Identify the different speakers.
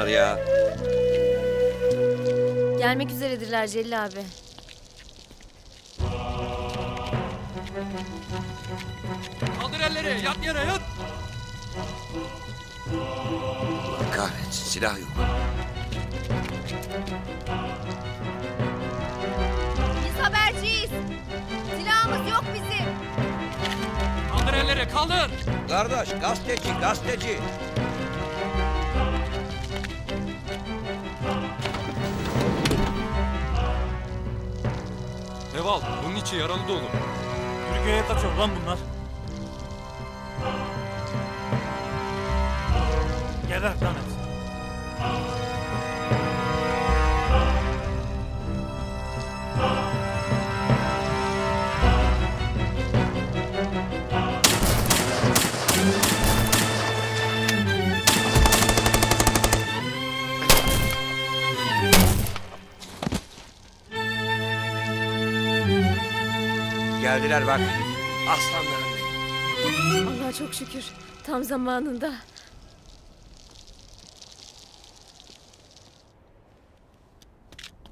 Speaker 1: ya?
Speaker 2: Gelmek üzeredirler Celil abi.
Speaker 3: Kaldır elleri, yat yere yat.
Speaker 1: Allah kahretsin, silah yok.
Speaker 2: Biz haberciyiz. Silahımız yok bizim.
Speaker 3: Kaldır elleri, kaldır.
Speaker 1: Kardeş, gazeteci.
Speaker 3: Eval, bunun içi yaralı dolu.
Speaker 4: Türkiye'ye kaçıyor lan bunlar. Geber lan hepsi.
Speaker 1: Geldiler bak. Aslanlarım benim.
Speaker 2: Allah'a çok şükür. Tam zamanında.